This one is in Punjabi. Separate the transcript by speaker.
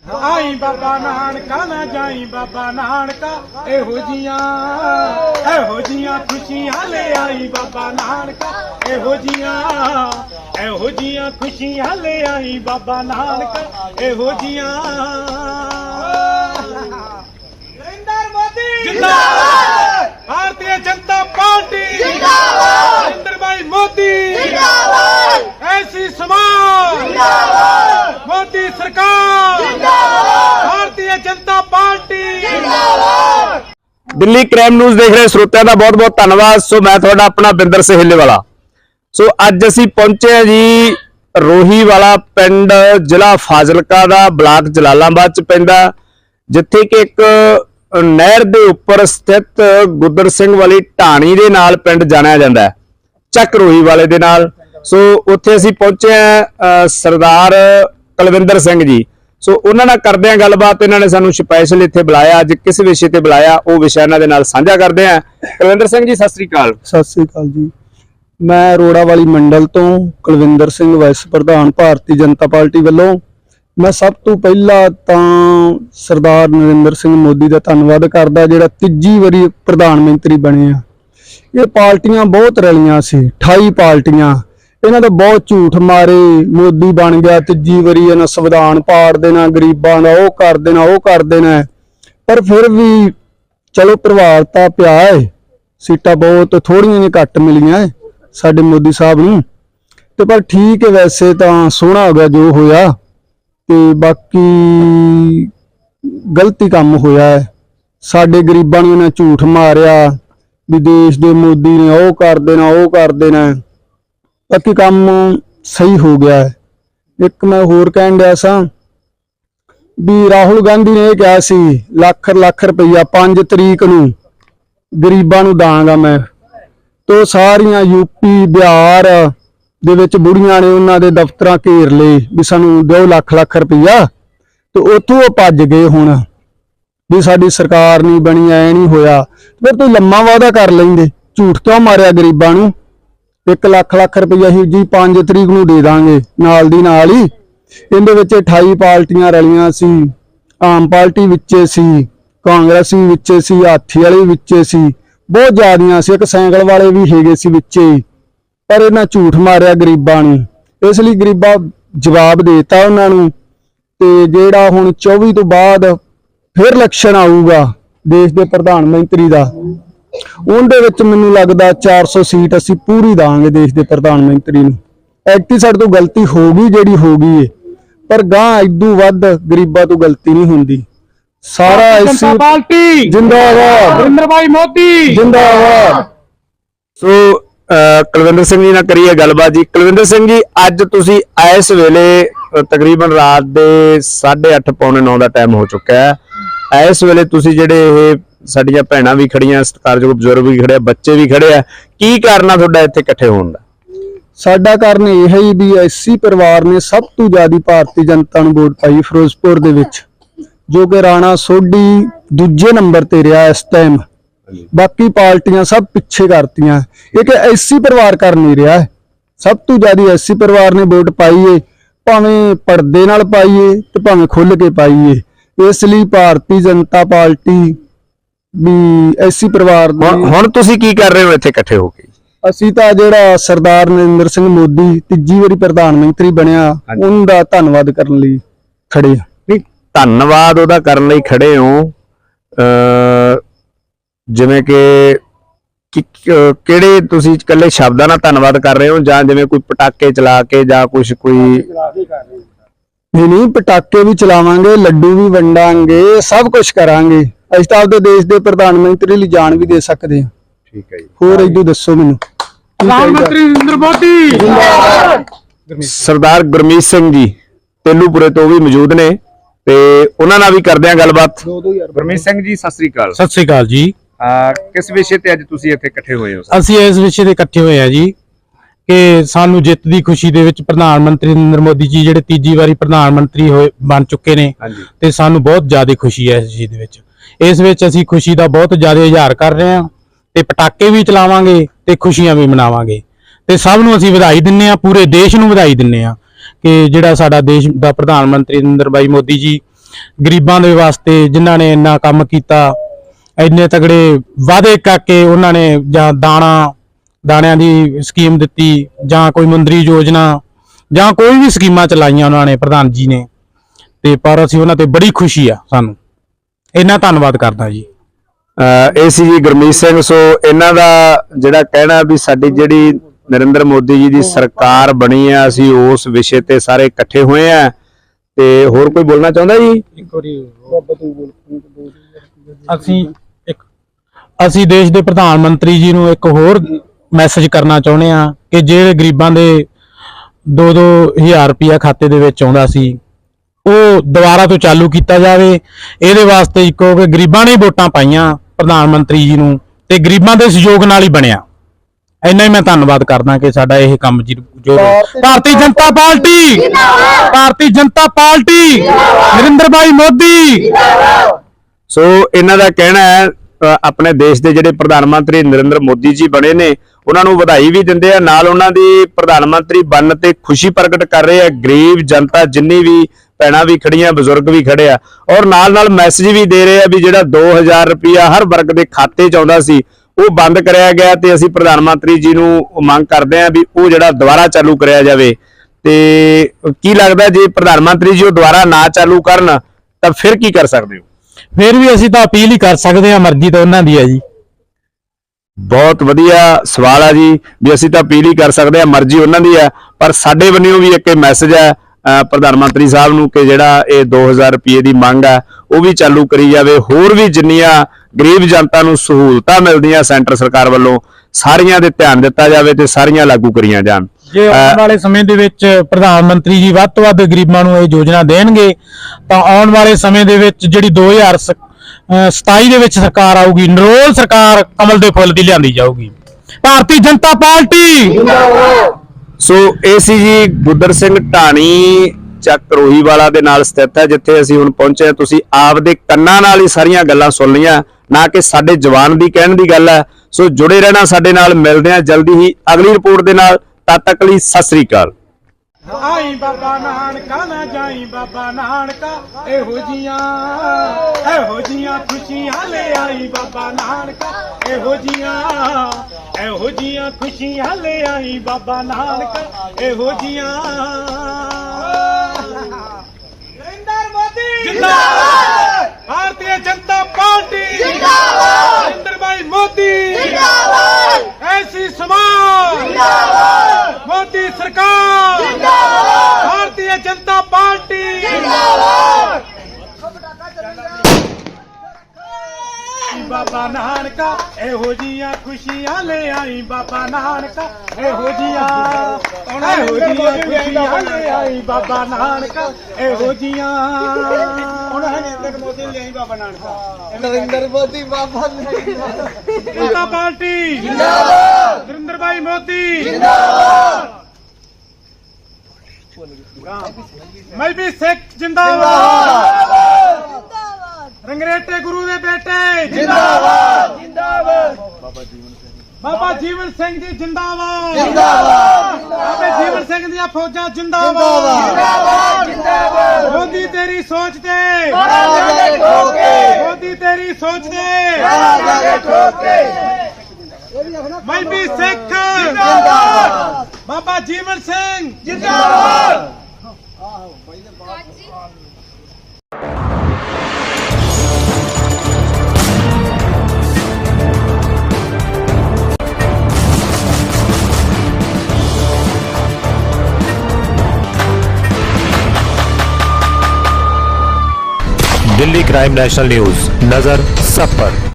Speaker 1: आई बाबा नानका ना जाई बाबा नानका एहो जियां खुशियां ले आई बाबा नानका एहो जियां खुशियां ले आई बाबा नानका एहो जियां। नरेंद्र मोदी जिंदाबाद, भारतीय जनता पार्टी जिंदाबाद, नरेंद्र भाई मोदी जिंदाबाद, ऐसी समाज जिंदाबाद, मोदी सरकार जिंदाबाद, भारतीय जनता पार्टी जिंदाबाद।
Speaker 2: दिल्ली क्राइम न्यूज़ देख रहे श्रोतिਆਂ ਦਾ बहुत बहुत धन्यवाद। सो मैं ਤੁਹਾਡਾ अपना बिंदर सहेले वाला। सो ਅੱਜ ਅਸੀਂ ਪਹੁੰਚੇ ਹਾਂ ਜੀ ਰੋਹੀ ਵਾਲਾ ਪਿੰਡ ਜ਼ਿਲ੍ਹਾ ਫਾਜ਼ਿਲਕਾ ਦਾ ਬਲਾਕ ਜਲਾਲਾਬਾਦ ਚ ਪੈਂਦਾ, ਜਿੱਥੇ ਕਿ ਇੱਕ ਨਹਿਰ ਦੇ ਉੱਪਰ ਸਥਿਤ ਗੁੱਦਰ ਸਿੰਘ ਵਾਲੀ ਢਾਣੀ ਦੇ ਨਾਲ ਪਿੰਡ ਜਾਣਿਆ ਜਾਂਦਾ ਹੈ, ਚੱਕ ਰੋਹੀ ਵਾਲੇ ਦੇ ਨਾਲ। ਸੋ ਉੱਥੇ ਅਸੀਂ ਪਹੁੰਚੇ ਹਾਂ ਸਰਦਾਰ ਕੁਲਵਿੰਦਰ ਸਿੰਘ ਜੀ। ਸੋ ਉਹਨਾਂ ਨਾਲ ਕਰਦੇ ਹਾਂ ਗੱਲਬਾਤ। ਇਹਨਾਂ ਨੇ ਸਾਨੂੰ ਸਪੈਸ਼ਲ ਇੱਥੇ ਬੁਲਾਇਆ, ਅੱਜ ਕਿਸ ਵਿਸ਼ੇ ਤੇ ਬੁਲਾਇਆ ਉਹ ਵਿਸ਼ਾ ਇਹਨਾਂ ਦੇ ਨਾਲ ਸਾਂਝਾ ਕਰਦੇ ਹਾਂ। ਕੁਲਵਿੰਦਰ ਸਿੰਘ ਜੀ ਸਤਿ ਸ੍ਰੀ ਅਕਾਲ।
Speaker 3: ਸਤਿ ਸ੍ਰੀ ਅਕਾਲ ਜੀ। ਮੈਂ ਰੋੜਾ ਵਾਲੀ ਮੰਡਲ ਤੋਂ ਕੁਲਵਿੰਦਰ ਸਿੰਘ ਵਾਈਸ ਪ੍ਰਧਾਨ ਭਾਰਤੀ ਜਨਤਾ ਪਾਰਟੀ ਵੱਲੋਂ। ਮੈਂ ਸਭ ਤੋਂ ਪਹਿਲਾਂ ਤਾਂ ਸਰਦਾਰ ਨਰਿੰਦਰ ਸਿੰਘ ਮੋਦੀ ਦਾ ਧੰਨਵਾਦ ਕਰਦਾ, ਜਿਹੜਾ ਤੀਜੀ ਵਾਰੀ ਪ੍ਰਧਾਨ ਮੰਤਰੀ ਬਣੇ ਆ। ਇਹ ਪਾਰਟੀਆਂ ਬਹੁਤ ਰਲੀਆਂ ਸੀ, 28 ਪਾਰਟੀਆਂ, ਇਹਨਾਂ ਦਾ ਬਹੁਤ ਝੂਠ ਮਾਰੇ। ਮੋਦੀ ਬਣ ਗਿਆ ਤੀਜੀ ਵਾਰੀ, ਇਹਨਾਂ ਸੰਵਿਧਾਨ ਪਾੜ ਦੇਣਾ, ਗਰੀਬਾਂ ਦਾ ਉਹ ਕਰ ਦੇਣਾ ਉਹ ਕਰ ਦੇਣਾ, ਪਰ ਫਿਰ ਵੀ ਚਲੋ ਪ੍ਰਭਾਵ ਤਾਂ ਪਿਆ ਹੈ। ਸੀਟਾਂ ਬਹੁਤ ਥੋੜੀਆਂ ਜਿਹੀਆਂ ਘੱਟ ਮਿਲੀਆਂ ਸਾਡੇ ਮੋਦੀ ਸਾਹਿਬ ਨੂੰ, ਤੇ ਪਰ ਠੀਕ ਹੈ, ਵੈਸੇ ਤਾਂ ਸੋਹਣਾ ਹੋ ਗਿਆ ਜੋ ਹੋਇਆ, ਤੇ ਬਾਕੀ ਗਲਤੀ ਕੰਮ ਹੋਇਆ ਹੈ। ਸਾਡੇ ਗਰੀਬਾਂ ਨੂੰ ਇਹਨਾਂ ਝੂਠ ਮਾਰਿਆ ਵੀ ਦੇਸ਼ ਦੇ ਮੋਦੀ ਨੇ ਉਹ ਕਰ ਦੇਣਾ ਉਹ ਕਰ ਦੇਣਾ, ਬਾਕੀ ਕੰਮ ਸਹੀ ਹੋ ਗਿਆ ਹੈ। ਇੱਕ ਮੈਂ ਹੋਰ ਕਹਿਣ ਡਿਆ ਸਾਂ ਵੀ ਰਾਹੁਲ ਗਾਂਧੀ ਨੇ ਇਹ ਕਿਹਾ ਸੀ ਲੱਖ ਰੁਪਈਆ 5 ਤਰੀਕ ਨੂੰ ਗਰੀਬਾਂ ਨੂੰ ਦਾਂਗਾ ਮੈਂ, ਤੋ ਸਾਰੀਆਂ ਯੂਪੀ ਬਿਹਾਰ ਦੇ ਵਿੱਚ ਬੁੜੀਆਂ ਨੇ ਉਹਨਾਂ ਦੇ ਦਫ਼ਤਰਾਂ ਘੇਰ ਲਏ ਵੀ ਸਾਨੂੰ ਦਿਓ ਲੱਖ ਰੁਪਈਆ, ਤੇ ਉੱਥੋਂ ਉਹ ਭੱਜ ਗਏ ਹੁਣ ਵੀ ਸਾਡੀ ਸਰਕਾਰ ਨਹੀਂ ਬਣੀ, ਐ ਨਹੀਂ ਹੋਇਆ। ਫਿਰ ਤੁਸੀਂ ਲੰਮਾ ਵਾਅਦਾ ਕਰ ਲੈਂਦੇ, ਝੂਠ ਕਿਉਂ ਮਾਰਿਆ ਗਰੀਬਾਂ ਨੂੰ? 1 ਲੱਖ ਰੁਪਈਆ ਹੀ ਜੀ 5 ਤਰੀਕ ਨੂੰ ਦੇ ਦਾਂਗੇ ਨਾਲ ਦੀ ਨਾਲ ਹੀ। ਇਹਦੇ ਵਿੱਚ 28 ਪਾਰਟੀਆਂ ਰਲੀਆਂ ਸੀ, ਆਮ ਪਾਰਟੀ ਵਿੱਚੇ ਸੀ, ਕਾਂਗਰਸ ਵੀ ਵਿੱਚੇ ਸੀ, ਹਾਥੀ ਵਾਲੇ ਵਿੱਚੇ ਸੀ, ਬਹੁਤ ਜ਼ਿਆਦੀਆਂ ਸੀ, ਇੱਕ ਸਾਈਕਲ ਵਾਲੇ ਵੀ ਹੈਗੇ ਸੀ ਵਿੱਚੇ, ਪਰ ਇਹਨਾਂ ਝੂਠ ਮਾਰਿਆ ਗਰੀਬਾਂ ਨੂੰ। ਇਸ ਲਈ ਗਰੀਬਾਂ ਜਵਾਬ ਦੇਤਾ ਉਹਨਾਂ ਨੂੰ। ਤੇ ਜਿਹੜਾ ਹੁਣ 24 ਤੋਂ ਬਾਅਦ ਫਿਰ ਇਲੈਕਸ਼ਨ ਆਊਗਾ ਦੇਸ਼ ਦੇ ਪ੍ਰਧਾਨ ਮੰਤਰੀ ਦਾ, ਉਹਦੇ ਵਿੱਚ ਮੈਨੂੰ ਲੱਗਦਾ 400 ਸੀਟ ਅਸੀਂ ਪੂਰੀ ਦਾਂਗੇ ਦੇਸ਼ ਦੇ ਪ੍ਰਧਾਨ ਮੰਤਰੀ ਨੂੰ। ਐਕਟੀ ਸਾਡੇ ਤੋਂ ਗਲਤੀ ਹੋ ਗਈ ਜਿਹੜੀ ਹੋ ਗਈ ਏ, ਪਰ ਗਾਂ ਇਦੋਂ ਵੱਧ ਗਰੀਬਾਂ ਤੋਂ ਗਲਤੀ ਨਹੀਂ ਹੁੰਦੀ। ਸਾਰਾ
Speaker 1: जनता पार्टी
Speaker 3: जिंदाबाद,
Speaker 1: नरेंद्र भाई मोदी
Speaker 3: जिंदाबाद।
Speaker 2: ਸੋ ਕੁਲਵਿੰਦਰ ਸਿੰਘ ਜੀ ਨਾਲ ਕਰੀਏ ਗੱਲਬਾਤ ਜੀ। ਕੁਲਵਿੰਦਰ ਸਿੰਘ ਜੀ, ਅੱਜ ਤੁਸੀਂ ਇਸ ਵੇਲੇ ਤਕਰੀਬਨ ਰਾਤ ਦੇ 8:30 ਪੌਣੇ 9 ਦਾ ਟਾਈਮ ਹੋ ਚੁੱਕਾ ਹੈ। ਇਸ ਵੇਲੇ ਤੁਸੀਂ ਜਿਹੜੇ ਇਹ ਸਾਡੀਆਂ ਭੈਣਾਂ ਵੀ ਖੜੀਆਂ, ਸਤਿਕਾਰਯੋਗ ਬਜ਼ੁਰਗ ਵੀ ਖੜੇ ਆ, ਬੱਚੇ ਵੀ ਖੜੇ ਆ, ਕੀ ਕਾਰਨ ਆ ਤੁਹਾਡਾ ਇੱਥੇ ਇਕੱਠੇ ਹੋਣ ਦਾ?
Speaker 3: ਸਾਡਾ ਕਾਰਨ ਇਹ ਹੀ ਵੀ ਐਸੀ ਪਰਿਵਾਰ ਨੇ ਸਭ ਤੋਂ ਜ਼ਿਆਦਾ ਭਾਰਤੀ ਜਨਤਾ ਨੂੰ ਵੋਟ ਪਾਈ ਫਿਰੋਜ਼ਪੁਰ ਦੇ ਵਿੱਚ, ਜੋ ਕਿ ਰਾਣਾ ਸੋਢੀ ਦੂਜੇ ਨੰਬਰ ਤੇ ਰਿਹਾ ਇਸ ਟਾਈਮ। ਬਾਕੀ ਪਾਰਟੀਆਂ ਸਭ ਪਿੱਛੇ ਕਰਤੀਆਂ, ਇਹ ਕਿ ਐਸੀ ਪਰਿਵਾਰ ਕਰ ਨਹੀਂ ਰਿਹਾ। ਸਭ ਤੋਂ ਜ਼ਿਆਦਾ ਐਸੀ ਪਰਿਵਾਰ ਨੇ ਵੋਟ ਪਾਈ ਏ, ਭਾਵੇਂ ਪਰਦੇ ਨਾਲ ਪਾਈਏ ਤੇ ਭਾਵੇਂ ਖੁੱਲ ਕੇ ਪਾਈਏ। ਇਸ ਲਈ ਭਾਰਤੀ ਜਨਤਾ ਪਾਰਟੀ ਵੀ ਐਸੀ ਪਰਿਵਾਰ
Speaker 2: ਹੁਣ ਤੁਸੀਂ ਕੀ ਕਰ ਰਹੇ ਹੋ ਇੱਥੇ ਇਕੱਠੇ ਹੋ ਕੇ?
Speaker 3: ਅਸੀਂ ਤਾਂ ਜਿਹੜਾ ਸਰਦਾਰ ਨਰਿੰਦਰ ਸਿੰਘ ਮੋਦੀ ਤੀਜੀ ਵਾਰੀ ਪ੍ਰਧਾਨ ਮੰਤਰੀ ਬਣਿਆ, ਉਹਦਾ ਧੰਨਵਾਦ ਕਰਨ ਲਈ ਖੜੇ ਆ।
Speaker 2: ਨਹੀਂ, ਧੰਨਵਾਦ ਉਹਦਾ ਕਰਨ ਲਈ ਖੜੇ ਹੋ, ਜਿਵੇਂ ਕਿ ਕਿਹੜੇ ਤੁਸੀਂ ਇਕੱਲੇ ਸ਼ਬਦਾਂ ਨਾਲ ਧੰਨਵਾਦ ਕਰ ਰਹੇ ਹੋ, ਜਾਂ ਜਿਵੇਂ ਕੋਈ ਪਟਾਕੇ ਚਲਾ ਕੇ ਜਾਂ ਕੁਝ ਕੋਈ?
Speaker 3: ਨਹੀਂ, ਪਟਾਕੇ ਵੀ ਚਲਾਵਾਂਗੇ, ਲੱਡੂ ਵੀ ਵੰਡਾਂਗੇ, ਸਭ ਕੁਝ ਕਰਾਂਗੇ। ਅਸੀਂ ਤਾਂ ਆਪਦੇ ਦੇਸ਼ ਦੇ ਪ੍ਰਧਾਨ ਮੰਤਰੀ ਲਈ ਜਾਨ ਵੀ ਦੇ ਸਕਦੇ ਹਾਂ।
Speaker 2: ਠੀਕ ਹੈ ਜੀ।
Speaker 3: ਹੋਰ ਇਦੋਂ ਦੱਸੋ ਮੈਨੂੰ।
Speaker 1: प्रधानमंत्री नरेंद्र मोदी।
Speaker 2: ਸਰਦਾਰ ਗੁਰਮੀਤ ਸਿੰਘ ਜੀ ਤੇਲੂਪੁਰੇ ਤੋਂ ਵੀ ਮੌਜੂਦ ਨੇ, ਤੇ ਉਹਨਾਂ ਨਾਲ ਵੀ ਕਰਦੇ ਆ ਗੱਲਬਾਤ। ਗੁਰਮੀਤ ਸਿੰਘ ਜੀ ਸਤਿ ਸ੍ਰੀ ਅਕਾਲ।
Speaker 4: ਸਤਿ ਸ੍ਰੀ ਅਕਾਲ ਜੀ।
Speaker 2: ਕਿਸ ਵਿਸ਼ੇ ਤੇ ਅੱਜ ਤੁਸੀਂ ਇੱਥੇ ਇਕੱਠੇ ਹੋਏ ਹੋ?
Speaker 4: ਅਸੀਂ ਇਸ ਵਿਸ਼ੇ ਤੇ ਇਕੱਠੇ ਹੋਏ ਆ ਜੀ ਕਿ ਸਾਨੂੰ ਜਿੱਤ ਦੀ ਖੁਸ਼ੀ ਦੇ ਵਿੱਚ ਪ੍ਰਧਾਨ ਮੰਤਰੀ ਨਰਿੰਦਰ ਮੋਦੀ ਜੀ ਜਿਹੜੇ ਤੀਜੀ ਵਾਰੀ ਪ੍ਰਧਾਨ ਮੰਤਰੀ ਬਣ ਚੁੱਕੇ ਨੇ, ਤੇ ਸਾਨੂੰ ਬਹੁਤ ਜ਼ਿਆਦਾ ਖੁਸ਼ੀ ਹੈ ਇਸ ਚੀਜ਼ ਦੇ ਵਿੱਚ। ਇਸ ਵਿੱਚ ਅਸੀਂ ਖੁਸ਼ੀ ਦਾ ਬਹੁਤ ਜ਼ਿਆਦਾ ਇਜ਼ਹਾਰ ਕਰ ਰਹੇ ਹਾਂ, ਤੇ ਪਟਾਕੇ ਵੀ ਚਲਾਵਾਂਗੇ ਤੇ ਖੁਸ਼ੀਆਂ ਵੀ ਮਨਾਵਾਂਗੇ, ਤੇ ਸਭ ਨੂੰ ਅਸੀਂ ਵਧਾਈ ਦਿੰਨੇ ਆ, ਪੂਰੇ ਦੇਸ਼ ਨੂੰ ਵਧਾਈ ਦਿੰਨੇ ਆ ਕਿ ਜਿਹੜਾ ਸਾਡਾ ਦੇਸ਼ ਦਾ ਪ੍ਰਧਾਨ ਮੰਤਰੀ ਨਰਿੰਦਰ ਭਾਈ ਮੋਦੀ ਜੀ ਗਰੀਬਾਂ ਦੇ ਵਾਸਤੇ ਜਿਨ੍ਹਾਂ ਨੇ ਇੰਨਾ ਕੰਮ ਕੀਤਾ, ਇੰਨੇ ਤਗੜੇ ਵਾਅਦੇ ਕਰਕੇ ਉਹਨਾਂ ਨੇ ਜਾਂ ਦਾਣਿਆਂ ਦੀ ਸਕੀਮ ਦਿੱਤੀ ਜਾਂ ਕੋਈ ਮੁੰਦਰੀ ਯੋਜਨਾ ਜਾਂ ਕੋਈ ਵੀ ਸਕੀਮਾਂ ਚਲਾਈਆਂ ਉਹਨਾਂ ਨੇ, ਪ੍ਰਧਾਨ ਜੀ ਨੇ, ਤੇ ਪਰ ਅਸੀਂ ਉਹਨਾਂ ਤੇ ਬੜੀ ਖੁਸ਼ੀ ਆ ਸਾਨੂੰ। ਇੰਨਾ ਧੰਨਵਾਦ ਕਰਦਾ ਜੀ।
Speaker 2: ਇਹ ਸੀ ਜੀ ਗੁਰਮੀਤ ਸਿੰਘ। ਸੋ ਇਹਨਾਂ ਦਾ ਜਿਹੜਾ ਕਹਿਣਾ ਵੀ ਸਾਡੀ ਜਿਹੜੀ ਨਰਿੰਦਰ ਮੋਦੀ ਜੀ ਦੀ ਸਰਕਾਰ ਬਣੀ ਆ, ਅਸੀਂ ਉਸ ਵਿਸ਼ੇ ਤੇ ਸਾਰੇ ਇਕੱਠੇ ਹੋਏ ਆ। ਤੇ ਹੋਰ ਕੋਈ ਬੋਲਣਾ ਚਾਹੁੰਦਾ ਜੀ?
Speaker 4: ਅਸੀਂ ਦੇਸ਼ ਦੇ ਪ੍ਰਧਾਨ ਮੰਤਰੀ ਜੀ ਨੂੰ ਇੱਕ ਹੋਰ ਮੈਸੇਜ ਕਰਨਾ ਚਾਹੁੰਦੇ ਆ ਕਿ ਜਿਹੜੇ ਗਰੀਬਾਂ ਦੇ 2-2000 ਰੁਪਇਆ ਖਾਤੇ ਦੇ ਵਿੱਚ ਆਉਂਦਾ ਸੀ, ਉਹ ਦੁਬਾਰਾ ਤੋਂ ਚਾਲੂ ਕੀਤਾ ਜਾਵੇ। ਇਹਦੇ ਵਾਸਤੇ ਇੱਕੋ ਕਿ ਗਰੀਬਾਂ ਨੇ ਵੋਟਾਂ ਪਾਈਆਂ ਪ੍ਰਧਾਨ ਮੰਤਰੀ ਜੀ ਨੂੰ ਤੇ ਗਰੀਬਾਂ ਦੇ ਸਹਿਯੋਗ ਨਾਲ ਹੀ ਬਣਿਆ। ਇੰਨਾ ਹੀ ਮੈਂ ਧੰਨਵਾਦ ਕਰਦਾ ਕਿ ਸਾਡਾ ਇਹ ਕੰਮ ਜੀ ਜੋ ਭਾਰਤੀ ਜਨਤਾ ਪਾਰਟੀ, ਭਾਰਤੀ ਜਨਤਾ ਪਾਰਟੀ, ਨਰਿੰਦਰ ਭਾਈ ਮੋਦੀ।
Speaker 2: ਸੋ ਇਹਨਾਂ ਦਾ ਕਹਿਣਾ ਹੈ ਆਪਣੇ ਦੇਸ਼ ਦੇ ਜਿਹੜੇ ਪ੍ਰਧਾਨ ਮੰਤਰੀ ਨਰਿੰਦਰ ਮੋਦੀ ਜੀ ਬਣੇ ਨੇ, ਉਹਨਾਂ ਨੂੰ ਵਧਾਈ ਵੀ ਦਿੰਦੇ ਆ, ਨਾਲ ਉਹਨਾਂ ਦੀ ਪ੍ਰਧਾਨ ਮੰਤਰੀ ਬਣਨ ਤੇ ਖੁਸ਼ੀ ਪ੍ਰਗਟ ਕਰ ਰਹੇ ਆ। ਗਰੀਬ ਜਨਤਾ ਜਿੰਨੀ ਵੀ ਭੈਣਾਂ ਵੀ ਖੜੀਆਂ, ਬਜ਼ੁਰਗ ਵੀ ਖੜੇ ਆ, ਔਰ ਨਾਲ ਮੈਸੇਜ ਵੀ ਦੇ ਰਹੇ ਆ ਵੀ ਜਿਹੜਾ 2000 ਰੁਪਇਆ ਹਰ ਵਰਗ ਦੇ ਖਾਤੇ 'ਚ ਆਉਂਦਾ ਸੀ ਉਹ ਬੰਦ ਕਰਿਆ ਗਿਆ ਤੇ ਅਸੀਂ ਪ੍ਰਧਾਨ ਮੰਤਰੀ ਜੀ ਨੂੰ ਮੰਗ ਕਰਦੇ ਆ ਵੀ ਉਹ ਜਿਹੜਾ ਦੁਬਾਰਾ ਚਾਲੂ ਕਰਿਆ ਜਾਵੇ। ਤੇ ਕੀ ਲੱਗਦਾ ਜੇ ਪ੍ਰਧਾਨ ਮੰਤਰੀ ਜੀ ਉਹ ਦੁਬਾਰਾ ਨਾ ਚਾਲੂ ਕਰਨ ਤਾਂ ਫਿਰ ਕੀ ਕਰ ਸਕਦੇ ਹੋ?
Speaker 4: ਫਿਰ ਵੀ ਅਸੀਂ ਤਾਂ ਅਪੀਲ ਹੀ ਕਰ ਸਕਦੇ ਹਾਂ, ਮਰਜ਼ੀ ਤਾਂ ਉਹਨਾਂ ਦੀ ਹੈ ਜੀ।
Speaker 2: ਬਹੁਤ ਵਧੀਆ ਸਵਾਲ ਆ ਜੀ, ਵੀ ਅਸੀਂ ਤਾਂ ਅਪੀਲ ਹੀ ਕਰ ਸਕਦੇ ਆ, ਮਰਜ਼ੀ ਉਹਨਾਂ ਦੀ ਹੈ। ਪਰ ਸਾਡੇ ਵੱਲੋਂ ਵੀ ਇੱਕ ਮੈਸੇਜ ਹੈ ਪ੍ਰਧਾਨ ਮੰਤਰੀ ਸਾਹਿਬ ਨੂੰ ਕਿ ਜਿਹੜਾ ਇਹ 2000 ਰੁਪਏ ਦੀ ਮੰਗ ਹੈ ਉਹ ਵੀ ਚਾਲੂ ਕਰੀ ਜਾਵੇ। ਹੋਰ ਵੀ ਜਿੰਨੀਆਂ ਗਰੀਬ ਜਨਤਾ ਨੂੰ ਸਹੂਲਤਾਂ ਮਿਲਦੀਆਂ ਸੈਂਟਰ ਸਰਕਾਰ ਵੱਲੋਂ, ਸਾਰੀਆਂ ਦੇ ਧਿਆਨ ਦਿੱਤਾ ਜਾਵੇ ਤੇ ਸਾਰੀਆਂ ਲਾਗੂ ਕਰੀਆਂ ਜਾਣ।
Speaker 4: ਜੇ ਆਉਣ ਵਾਲੇ ਸਮੇਂ ਦੇ ਵਿੱਚ ਪ੍ਰਧਾਨ ਮੰਤਰੀ ਜੀ ਵੱਧ ਤੋਂ ਵੱਧ ਗਰੀਬਾਂ ਨੂੰ ਇਹ ਯੋਜਨਾ ਦੇਣਗੇ ਤਾਂ ਆਉਣ ਵਾਲੇ ਸਮੇਂ ਦੇ ਵਿੱਚ ਜਿਹੜੀ 2027 ਦੇ ਵਿੱਚ ਸਰਕਾਰ ਆਊਗੀ, ਨਿਰੋਲ ਸਰਕਾਰ ਕਮਲ ਦੇ ਫੁੱਲ ਦੀ ਲਿਆਂਦੀ ਜਾਊਗੀ। ਭਾਰਤੀ ਜਨਤਾ ਪਾਰਟੀ ਜਿੰਦਾਬਾਦ।
Speaker 2: ਸੋ ਇਹ ਸੀ ਜੀ ਗੁੱਦਰ ਸਿੰਘ ਢਾਣੀ ਚੱਕ ਰੋਹੀਵਾਲਾ ਦੇ ਨਾਲ ਸਥਿਤ ਹੈ, ਜਿੱਥੇ ਅਸੀਂ ਹੁਣ ਪਹੁੰਚੇ। ਤੁਸੀਂ ਆਪਦੇ ਕੰਨਾਂ ਨਾਲ ਹੀ ਸਾਰੀਆਂ ਗੱਲਾਂ ਸੁਣ ਲਈਆਂ, ਨਾ ਕਿ ਸਾਡੇ ਜਵਾਨ ਦੀ ਕਹਿਣ ਦੀ ਗੱਲ ਹੈ। ਸੋ ਜੁੜੇ ਰਹਿਣਾ ਸਾਡੇ ਨਾਲ, ਮਿਲਦੇ ਹਾਂ ਜਲਦੀ ਹੀ ਅਗਲੀ ਰਿਪੋਰਟ ਦੇ ਨਾਲ। ਤਦ ਤੱਕ ਲਈ ਸਤਿ ਸ੍ਰੀ ਅਕਾਲ।
Speaker 1: ਆਈ ਬਾਬਾ ਨਾਨਕਾ ਨਾ ਜਾਈ ਬਾਬਾ ਨਾਨਕਾ, ਇਹੋ ਜੀਆਂ ਖੁਸ਼ੀਆਂ ਲੈ ਆਈ ਬਾਬਾ ਨਾਨਕਾ, ਇਹੋ ਜੀਆਂ ਖੁਸ਼ੀਆਂ ਲੈ ਆਈ ਬਾਬਾ ਨਾਨਕਾ, ਇਹੋ ਜੀਆਂ। ਨਰਿੰਦਰ ਮੋਦੀ ਜਿੰਦਾਬਾਦ, ਭਾਰਤੀ ਜਨਤਾ ਪਾਰਟੀ ਜਿੰਦਾਬਾਦ, ਨਰਿੰਦਰ ਭਾਈ ਮੋਦੀ ਜਿੰਦਾਬਾਦ, ਐਸੀ ਸਮਾਜ ਜਿੰਦਾਬਾਦ, ਮੋਦੀ ਸਰਕਾਰ जिंदाबाद, भारतीय जनता पार्टी जिंदाबाद। बाबा नानका एहो जियां खुशियां ले आई बाबा नानका, एहो जियां खुशियां ले आई बाबा नानका, एहो जियां। नरेंद्र मोदी ले आई बाबा नानका, नरेंद्र मोदी बाबा जनता पार्टी जिंदाबाद, नरेंद्र भाई मोदी जिंदाबाद, मैं भी सिख जिंदाबाद, रंगरेटे गुरु दे बेटे जिंदाबाद, बाबा जीवन सिंह जी जिंदाबाद, बाबा जीवन सिंह दी फौजा जिंदाबाद, मोदी तेरी सोच दे, मोदी तेरी सोच दे, मैं भी सिख जिंदाबाद, बाबा जीवन सिंह जिंदाबाद।
Speaker 5: दिल्ली क्राइम नेशनल न्यूज, नजर सब पर।